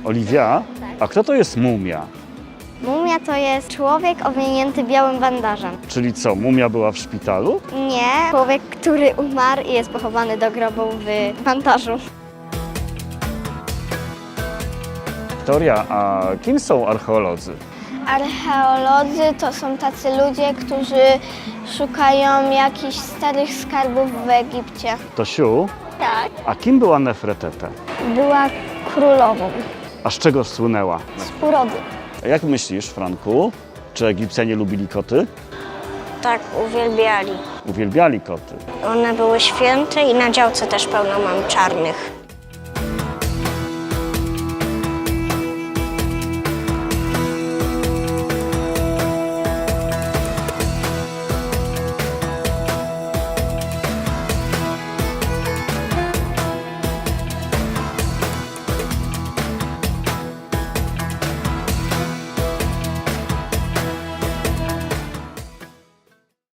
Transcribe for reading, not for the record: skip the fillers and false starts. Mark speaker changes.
Speaker 1: Oliwia? A kto to jest mumia?
Speaker 2: Mumia to jest człowiek owinięty białym bandażem.
Speaker 1: Czyli co, mumia była w szpitalu?
Speaker 2: Nie, człowiek, który umarł i jest pochowany do grobu w bandażu.
Speaker 1: Wiktoria, a kim są archeolodzy?
Speaker 2: Archeolodzy to są tacy ludzie, którzy szukają jakichś starych skarbów w Egipcie.
Speaker 1: Tosiu,
Speaker 2: Tak.
Speaker 1: a kim była Nefertete?
Speaker 2: Była królową
Speaker 1: A z czego słynęła?
Speaker 2: z urody.
Speaker 1: A jak myślisz, Franku, czy Egipcjanie lubili koty?
Speaker 3: Tak, uwielbiali.
Speaker 1: Uwielbiali koty.
Speaker 3: One były święte i na działce też pełno mam czarnych.